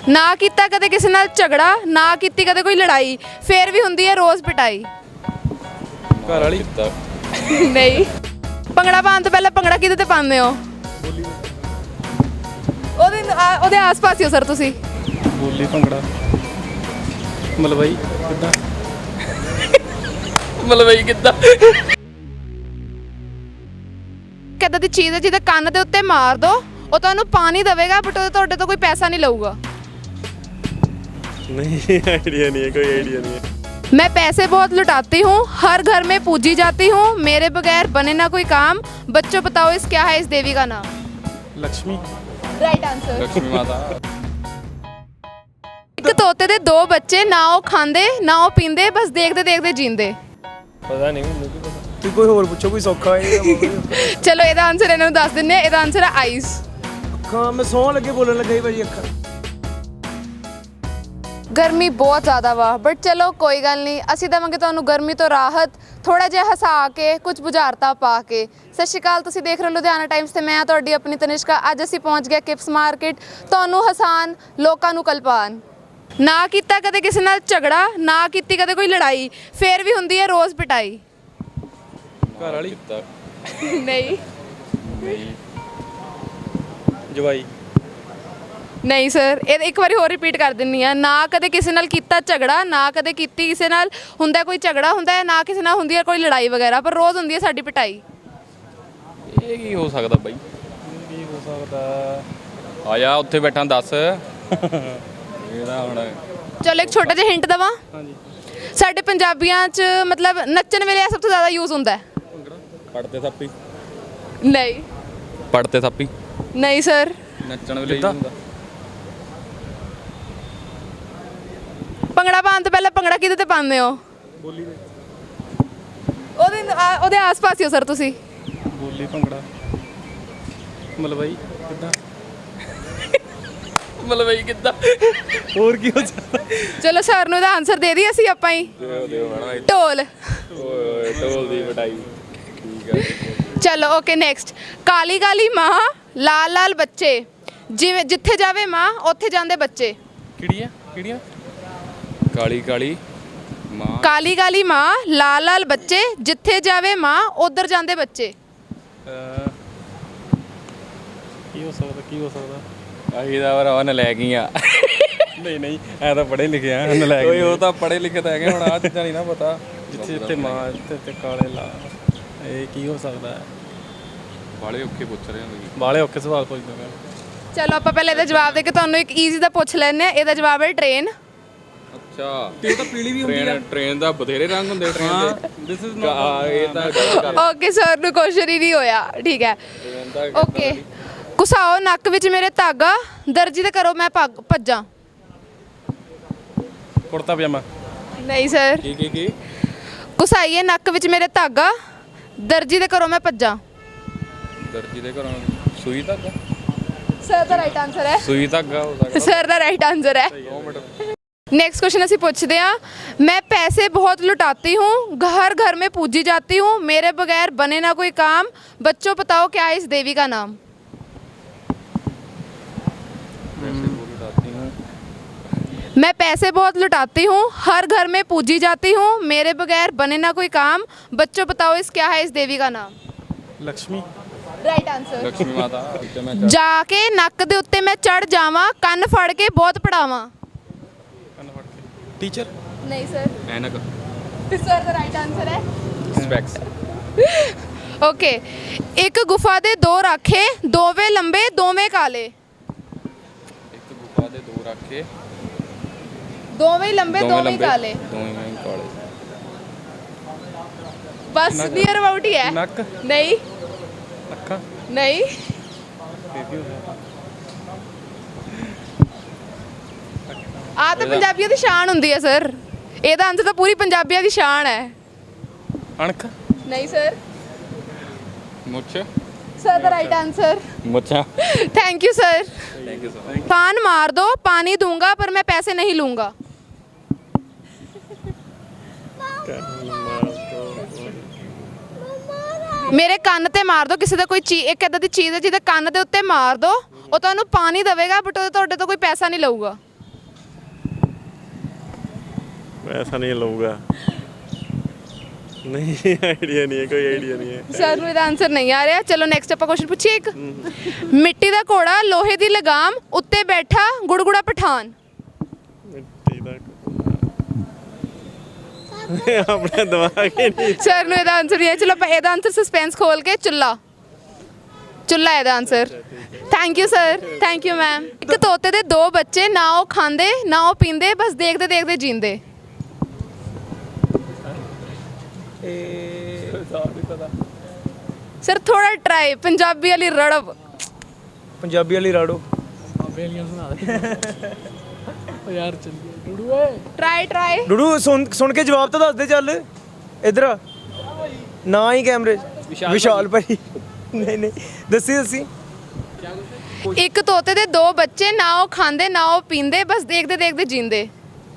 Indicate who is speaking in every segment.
Speaker 1: ना कीता कदे किसी नाल झगड़ा, ना कीती कदे कोई लड़ाई, फिर भी हुंदी है रोज़ पिटाई।
Speaker 2: घर वाली
Speaker 1: नहीं। भंगड़ा पाउण तो पहले भंगड़ा किहदे ते पाਉਂਦੇ हो? ਉਹਦੇ ਆਸ-ਪਾਸ ਹੀ ਹੋ ਸਰ ਤੁਸੀਂ।
Speaker 2: ਬੋਲੀ ਭੰਗੜਾ ਮਲਵਈ ਕਿੱਦਾਂ ਮਲਵਈ ਕਿੱਦਾਂ
Speaker 1: ਕਿੱਦਾਂ ਦੀ ਚੀਜ਼ ਹੈ ਜਿਹਦੇ ਕੰਨ ਦੇ ਉੱਤੇ ਮਾਰ ਦੋ ਉਹ ਤੁਹਾਨੂੰ ਪਾਣੀ ਦੇਵੇਗਾ ਬਟ ਉਹ ਤੁਹਾਡੇ ਤੋਂ ਕੋਈ ਪੈਸਾ ਨਹੀਂ ਲਊਗਾ।
Speaker 2: नहीं आइडिया नहीं है, कोई आइडिया नहीं है।
Speaker 1: मैं पैसे बहुत लुटाती हूँ, हर घर में पूजी जाती हूँ, मेरे बगैर बने ना कोई काम, बच्चों बताओ इस क्या है इस देवी का नाम?
Speaker 2: Lakshmi
Speaker 1: right answer.
Speaker 2: लक्ष्मी माता।
Speaker 1: एक तोते दे दो बच्चे, ना वो खांदे ना वो पींदे, बस देखते देखते जींदे।
Speaker 2: पता नहीं मैनूं की पता। तू कोई होर पुछो, कोई सौखा है।
Speaker 1: चलो ਇਹਦਾ ਆਨਸਰ ਇਹਨਾਂ ਨੂੰ ਦੱਸ ਦਿੰਨੇ ਆ, ਇਹਦਾ ਆਨਸਰ ਹੈ ਆਈਜ਼।
Speaker 2: ਅੱਖਾਂ ਮੈਂ ਸੌਂ ਲੱਗੇ ਬੋਲਣ ਲੱਗਾ ਹੀ ਭਾਜੀ ਅੱਖਾਂ।
Speaker 1: ਗਰਮੀ ਬਹੁਤ ਜ਼ਿਆਦਾ ਵਾ ਬਟ ਚਲੋ ਕੋਈ ਗੱਲ ਨਹੀਂ, ਅਸੀਂ ਦੇਵਾਂਗੇ ਤੁਹਾਨੂੰ ਗਰਮੀ ਤੋਂ ਰਾਹਤ, ਥੋੜਾ ਜਿਹਾ ਹਸਾ ਕੇ, ਕੁਝ ਬੁਝਾਰਤਾਂ ਪਾ ਕੇ। ਸਤਿ ਸ਼੍ਰੀ ਅਕਾਲ, ਤੁਸੀਂ ਦੇਖ ਰਹੇ ਹੋ ਲੁਧਿਆਣਾ ਟਾਈਮਸ ਤੇ ਮੈਂ ਤੁਹਾਡੀ ਆਪਣੀ ਤਨਿਸ਼ਕਾ। ਅੱਜ ਅਸੀਂ ਪਹੁੰਚ ਗਏ ਕਿਪਸ ਮਾਰਕੀਟ, ਤੁਹਾਨੂੰ ਹਸਾਨ, ਲੋਕਾਂ ਨੂੰ ਕਲਪਾਨ। ਨਾ ਕੀਤਾ ਕਦੇ ਕਿਸੇ ਨਾਲ ਝਗੜਾ, ਨਾ ਕੀਤੀ ਕਦੇ ਕੋਈ ਲੜਾਈ, ਫਿਰ ਵੀ ਹੁੰਦੀ ਹੈ ਰੋਜ਼ ਪਿਟਾਈ।
Speaker 2: ਘਰ ਵਾਲੀ
Speaker 1: ਨਹੀਂ
Speaker 2: ਜਵਾਈ
Speaker 1: ਨਹੀਂ ਸਰ, ਇਹ ਇੱਕ ਵਾਰੀ ਹੋਰ ਰਿਪੀਟ ਕਰ ਦਿੰਨੀ ਆ। ਨਾ ਕਦੇ ਕਿਸੇ ਨਾਲ ਕੀਤਾ ਝਗੜਾ, ਨਾ ਕਦੇ ਕੀਤੀ ਕਿਸੇ ਨਾਲ ਹੁੰਦਾ ਕੋਈ ਝਗੜਾ ਹੁੰਦਾ ਹੈ, ਨਾ ਕਿਸੇ ਨਾਲ ਹੁੰਦੀ ਹੈ ਕੋਈ ਲੜਾਈ ਵਗੈਰਾ, ਪਰ ਰੋਜ਼ ਹੁੰਦੀ ਹੈ ਸਾਡੀ ਪਿਟਾਈ।
Speaker 3: ਇਹ ਕੀ ਹੋ ਸਕਦਾ ਬਾਈ?
Speaker 2: ਕੀ ਹੋ ਸਕਦਾ?
Speaker 3: ਆ ਜਾ ਉੱਥੇ ਬੈਠਾ ਦੱਸ। ਇਹਦਾ ਹੁਣ
Speaker 1: ਚਲੋ ਇੱਕ ਛੋਟਾ ਜਿਹਾ ਹਿੰਟ ਦੇਵਾਂ।
Speaker 2: ਹਾਂਜੀ
Speaker 1: ਸਾਡੇ ਪੰਜਾਬੀਆਂ 'ਚ ਮਤਲਬ ਨੱਚਣ ਵੇਲੇ ਇਹ ਸਭ ਤੋਂ ਜ਼ਿਆਦਾ ਯੂਜ਼ ਹੁੰਦਾ ਹੈ।
Speaker 3: ਪੜਤੇ ਥਾਪੀ।
Speaker 1: ਨਹੀਂ
Speaker 3: ਪੜਤੇ ਥਾਪੀ
Speaker 1: ਨਹੀਂ ਸਰ।
Speaker 3: ਨੱਚਣ ਵੇਲੇ
Speaker 2: ਕਿੱਦਾਂ?
Speaker 3: ਹੁੰਦਾ।
Speaker 1: ਭੰਗੜਾ ਪਾਉਣ ਤੋਂ ਪਹਿਲਾਂ ਭੰਗੜਾ ਕਿਹਦੇ ਤੇ ਪਾਉਂਦੇ ਹੋ?
Speaker 2: ਬੋਲੀ ਦੇ
Speaker 1: ਉਹਦੇ ਆਸ-ਪਾਸ ਹੀ ਹੋ ਸਰ ਤੁਸੀਂ।
Speaker 2: ਬੋਲੀ ਭੰਗੜਾ ਮਲਵਈ ਕਿੱਦਾਂ
Speaker 3: ਮਲਵਈ ਕਿੱਦਾਂ?
Speaker 2: ਹੋਰ ਕੀ ਹੋ ਸਕਦਾ?
Speaker 1: ਚਲੋ ਸਰ ਨੂੰ ਇਹਦਾ ਆਨਸਰ ਦੇ ਦਈਏ ਅਸੀਂ ਆਪਾਂ ਹੀ।
Speaker 3: ਦਿਓ ਮੈਡਮ।
Speaker 1: ਢੋਲ।
Speaker 3: ਓਏ ਢੋਲ ਦੀ ਵਡਾਈ। ਠੀਕ ਹੈ।
Speaker 1: ਚਲੋ ਓਕੇ ਨੈਕਸਟ। ਕਾਲੀ ਕਾਲੀ ਮਾਂ, ਲਾਲ ਲਾਲ ਬੱਚੇ, ਜਿਵੇਂ ਜਿੱਥੇ ਜਾਵੇ ਮਾਂ ਉੱਥੇ ਜਾਂਦੇ ਬੱਚੇ।
Speaker 2: ਕਿਹੜੀਆਂ ਕਿਹੜੀਆਂ?
Speaker 3: ਕਾਲੀ ਕਾਲੀ ਮਾਂ।
Speaker 1: ਕਾਲੀ ਕਾਲੀ ਮਾਂ, ਲਾਲ ਲਾਲ ਬੱਚੇ, ਜਿੱਥੇ ਜਾਵੇ ਮਾਂ ਉਧਰ ਜਾਂਦੇ ਬੱਚੇ।
Speaker 2: ਕੀ ਹੋ ਸਕਦਾ? ਕੀ ਹੋ ਸਕਦਾ?
Speaker 3: ਆਹੀ ਦਾ ਵਰ ਉਹਨ ਲੈ ਗਈਆਂ।
Speaker 2: ਨਹੀਂ ਨਹੀਂ ਐ ਤਾਂ ਪੜ੍ਹੇ ਲਿਖੇ ਆ ਉਹਨੇ ਲੈ
Speaker 3: ਓਏ ਉਹ ਤਾਂ ਪੜੇ ਲਿਖੇ ਤਾਂ ਹੈਗੇ, ਹੁਣ ਆ ਚੀਜ਼ਾਂ ਨਹੀਂ ਨਾ ਪਤਾ।
Speaker 2: ਜਿੱਥੇ ਜਿੱਥੇ ਮਾਂ ਤੇ ਕਾਲੇ ਲਾ, ਇਹ ਕੀ ਹੋ ਸਕਦਾ ਹੈ?
Speaker 3: ਬਾਲੇ ਔਖੇ ਪੁੱਛ ਰਹੇ ਹੋ ਤੁਸੀਂ।
Speaker 2: ਬਾਲੇ ਔਖੇ ਸਵਾਲ ਪੁੱਛਦੇ ਮੈਂ।
Speaker 1: ਚਲੋ ਆਪਾਂ ਪਹਿਲੇ ਇਹਦਾ ਜਵਾਬ ਦੇ ਕੇ ਤੁਹਾਨੂੰ ਇੱਕ ਈਜ਼ੀ ਦਾ ਪੁੱਛ ਲੈਂਦੇ ਆ। ਇਹਦਾ ਜਵਾਬ ਹੈ ਟ੍ਰੇਨ।
Speaker 3: ਅੱਛਾ
Speaker 2: ਤੇ ਉਹ ਤਾਂ ਪੀਲੀ ਵੀ ਹੁੰਦੀ ਆ।
Speaker 3: ਟ੍ਰੇਨ ਦਾ ਬਥੇਰੇ ਰੰਗ ਹੁੰਦੇ ਟ੍ਰੇਨ ਦੇ।
Speaker 2: ਦਿਸ ਇਜ਼
Speaker 3: ਇਹ ਤਾਂ ਗੱਲ ਕਰ
Speaker 1: ਓਕੇ ਸਰ ਨੂੰ ਕੁਐਸਚਨ ਹੀ ਨਹੀਂ ਹੋਇਆ, ਠੀਕ ਹੈ
Speaker 3: ਟ੍ਰੇਨ ਦਾ
Speaker 1: ਓਕੇ। ਘੁਸਾਓ ਨੱਕ ਵਿੱਚ ਮੇਰੇ ਧਾਗਾ, ਦਰਜੀ ਤੇ ਕਰੋ ਮੈਂ ਭੱਜਾਂ।
Speaker 2: ਕੁੜਤਾ ਪਜਾਮਾ।
Speaker 1: ਨਹੀਂ ਸਰ।
Speaker 3: ਕੀ
Speaker 1: ਘੁਸਾਈਏ ਨੱਕ ਵਿੱਚ ਮੇਰੇ ਧਾਗਾ, ਦਰਜੀ ਦੇ ਕਰੋ ਮੈਂ ਭੱਜਾਂ।
Speaker 3: ਦਰਜੀ ਦੇ ਘਰੋਂ ਸੂਈ ਧਾਗਾ।
Speaker 1: ਸਰ ਦਾ ਰਾਈਟ ਆਨਸਰ ਹੈ।
Speaker 3: ਸੂਈ ਧਾਗਾ ਹੋ ਸਕਦਾ।
Speaker 1: ਸਰ ਦਾ ਰਾਈਟ ਆਨਸਰ ਹੈ।
Speaker 3: 2 ਮਿੰਟ।
Speaker 1: नेक्स्ट क्वेश्चन ਅਸੀਂ ਪੁੱਛਦੇ ਹਾਂ। मैं पैसे बहुत लुटाती हूँ, घर घर में पूजी जाती हूँ, मेरे बगैर बने ना कोई काम, बच्चों बताओ क्या है इस देवी का नाम? मैं पैसे बहुत लुटाती हूँ, हर घर में पूजी जाती हूँ, मेरे बगैर बने ना कोई काम, बच्चों बताओ इस क्या है इस देवी का नाम?
Speaker 2: ਲక్ష్ਮੀ।
Speaker 1: Right answer.
Speaker 3: ਲక్ష్ਮੀ ਮਾਤਾ। ਠੀਕ ਹੈ ਮੈਂ
Speaker 1: जाके नक दे उत्ते मैं चढ़ जावां, ਕੰਨ ਫੜ ਕੇ ਬਹੁਤ ਪੜਾਵਾਂ।
Speaker 2: ਟੀਚਰ।
Speaker 1: नहीं सर।
Speaker 3: ਐਨਕ।
Speaker 1: सर ਦਾ ਰਾਈਟ ਆਨਸਰ ਹੈ।
Speaker 3: ਸਪੈਕਸ।
Speaker 1: ਓਕੇ। ਇੱਕ ਗੁਫਾ ਦੇ ਦੋ ਰਾਖੇ, ਦੋਵੇਂ ਲੰਬੇ ਦੋਵੇਂ ਕਾਲੇ।
Speaker 3: ਇੱਕ ਗੁਫਾ ਦੇ 2 ਰਾਖੇ,
Speaker 1: ਦੋਵੇਂ ਲੰਬੇ ਦੋਵੇਂ ਕਾਲੇ।
Speaker 3: ਦੋਵੇਂ ਕਾਲੇ।
Speaker 1: ਬਸ ਨੀਅਰ ਅਬਾਊਟ ਹੀ ਹੈ।
Speaker 2: ਨੱਕ।
Speaker 1: ਨਹੀਂ
Speaker 2: ਅੱਖਾਂ।
Speaker 1: ਨਹੀਂ
Speaker 2: ਇਹ ਕੀ ਹੋ ਸਕਦਾ?
Speaker 1: ਆ ਤਾਂ ਪੰਜਾਬੀਆਂ ਦੀ ਸ਼ਾਨ ਹੁੰਦੀ ਹੈ ਸਰ। ਇਹਦਾ ਆਨਸਰ ਤਾਂ ਪੂਰੀ ਪੰਜਾਬੀਆਂ ਦੀ ਸ਼ਾਨ ਹੈ।
Speaker 2: ਅਣਖ।
Speaker 1: ਨਹੀਂ ਸਰ।
Speaker 3: ਮੁੱਛ।
Speaker 1: ਸਰ ਦਾ ਰਾਈਟ ਆਨਸਰ।
Speaker 3: ਮੁੱਛਾਂ।
Speaker 1: Thank you sir.
Speaker 3: Thank you sir.
Speaker 1: पान मार दो पानी दूंगा पर मैं पैसे नहीं लूंगा। ਮੇਰੇ ਕੰਨ ਤੇ ਮਾਰ ਦੋ ਕਿਸੇ ਦਾ ਕੋਈ ਚੀਜ਼, ਇੱਕ ਇਦਾਂ ਦੀ ਚੀਜ਼ ਹੈ ਜਿਹਦੇ ਕੰਨ ਦੇ ਉੱਤੇ ਮਾਰ ਦੋ ਉਹ ਤੁਹਾਨੂੰ ਪਾਣੀ ਦੇਵੇਗਾ ਬਟ ਉਹ ਤੁਹਾਡੇ ਤੋਂ ਕੋਈ ਪੈਸਾ ਨਹੀਂ ਲਊਗਾ।
Speaker 2: ऐसा नहीं लूँगा नहीं आइडिया नहीं है कोई आइडिया नहीं है
Speaker 1: ਸਰ ਨੂੰ ਇਹਦਾ ਆਨਸਰ ਨਹੀਂ ਆ ਰਿਹਾ। ਚਲੋ ਨੈਕਸਟ ਆਪਾਂ ਕੁਐਸਚਨ ਪੁੱਛੀਏ ਇੱਕ। ਮਿੱਟੀ ਦਾ ਘੋੜਾ ਲੋਹੇ ਦੀ ਲਗਾਮ ਉੱਤੇ ਬੈਠਾ ਗੁੜਗੁੜਾ ਪਠਾਨ।
Speaker 2: मिट्टी दा अपने दिमाग ही नहीं
Speaker 1: ਸਰ ਨੂੰ ਇਹਦਾ ਆਨਸਰ ਨਹੀਂ ਹੈ। ਚਲੋ ਆਪਾਂ ਇਹਦਾ ਆਨਸਰ ਸਸਪੈਂਸ ਖੋਲ ਕੇ ਚੁੱਲਾ ਚੁੱਲਾ ਇਹਦਾ answer. Thank you sir, thank you ma'am. ਇੱਕ ਤੋਤੇ ਦੇ ਦੋ ਬੱਚੇ, ਨਾ ਉਹ ਖਾਂਦੇ ਨਾ ਉਹ ਪੀਂਦੇ, ਬਸ ਦੇਖਦੇ ਦੇਖਦੇ ਜੀਂਦੇ। ਸਰ ਥੋੜਾ ਟਰਾਈ, ਪੰਜਾਬੀ ਵਾਲੀ ਰੜਬ।
Speaker 4: ਪੰਜਾਬੀ ਵਾਲੀ ਰਾੜੋ।
Speaker 1: Try try.
Speaker 4: ਡੂਡੂ ਸੁਣ ਕੇ ਜਵਾਬ ਤਾਂ ਦੱਸ ਦੇ ਚੱਲ। ਇਧਰ ਆ। ਨਾ ਹੀ ਕੈਮਰੇ 'ਚ। ਵਿਸ਼ਾਲ ਭਾਈ। ਨਹੀਂ ਦੱਸੀ
Speaker 1: ਇੱਕ ਤੋਤੇ ਦੇ ਦੋ ਬੱਚੇ, ਨਾ ਉਹ ਖਾਂਦੇ ਨਾ ਉਹ ਪੀਂਦੇ, ਬਸ ਦੇਖਦੇ ਦੇਖਦੇ ਜੀਂਦੇ।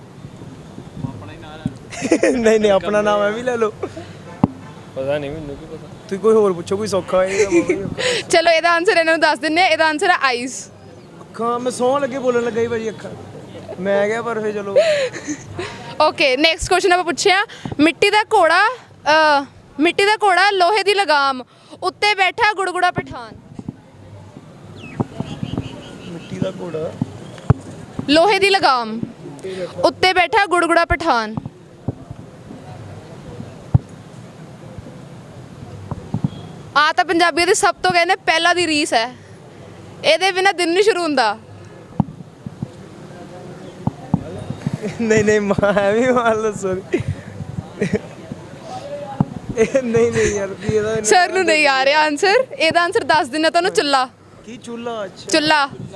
Speaker 4: ਨਹੀਂ ਆਪਣਾ ਨਾਮ ਐ ਵੀ ਲੈ ਲਓ।
Speaker 2: पता नहीं मैंने भी पता
Speaker 4: ਤੁਸੀਂ ਕੋਈ ਹੋਰ ਪੁੱਛੋ, ਕੋਈ ਸੌਖਾ ਹੈ।
Speaker 1: ਚਲੋ ਇਹਦਾ ਆਨਸਰ ਇਹਨਾਂ ਨੂੰ ਦੱਸ ਦਿੰਨੇ ਆ। ਇਹਦਾ ਆਨਸਰ ਹੈ ਆਈਜ਼।
Speaker 4: ਅੱਖਾਂ। ਮੈਂ ਸੌਂ ਲੱਗੇ ਬੋਲਣ ਲੱਗਾ ਹੀ ਭਾਜੀ ਅੱਖਾਂ। ਮੈਂ ਕਿਹਾ ਪਰ ਫੇ ਚਲੋ।
Speaker 1: ਓਕੇ ਨੈਕਸਟ ਕੁਐਸਚਨ ਆਪਾਂ ਪੁੱਛਿਆ। ਮਿੱਟੀ ਦਾ ਘੋੜਾ ਲੋਹੇ ਦੀ ਲਗਾਮ ਉੱਤੇ ਬੈਠਾ ਗੁੜਗੁੜਾ ਪਠਾਨ।
Speaker 4: ਮਿੱਟੀ ਦਾ ਘੋੜਾ
Speaker 1: ਲੋਹੇ ਦੀ ਲਗਾਮ ਉੱਤੇ ਬੈਠਾ ਗੁੜਗੁੜਾ ਪਠਾਨ। ਆ ਤਾਂ ਪੰਜਾਬੀਆਂ ਦੀ ਸਭ ਤੋਂ ਕਹਿੰਦੇ ਪਹਿਲਾਂ ਦੀ ਰੀਸ ਹੈ। ਇਹਦੇ ਬਿਨਾਂ ਦਿਨ ਨਹੀਂ ਸ਼ੁਰੂ ਹੁੰਦਾ।
Speaker 4: ਨਹੀਂ ਮਾਂ ਐਵੇਂ ਮਾਰ ਸੋਰੀ। ਨਹੀਂ ਯਾਰ ਕੀ ਇਹਦਾ
Speaker 1: ਸਰ ਨੂੰ ਨਹੀਂ ਆ ਰਿਹਾ ਆਨਸਰ। ਇਹਦਾ ਆਨਸਰ ਦੱਸ ਦਿੰਨਾ ਤੁਹਾਨੂੰ। ਚੁੱਲਾ
Speaker 4: ਕੀ ਚੁੱਲਾ? ਅੱਛਾ
Speaker 1: ਚੁੱਲਾ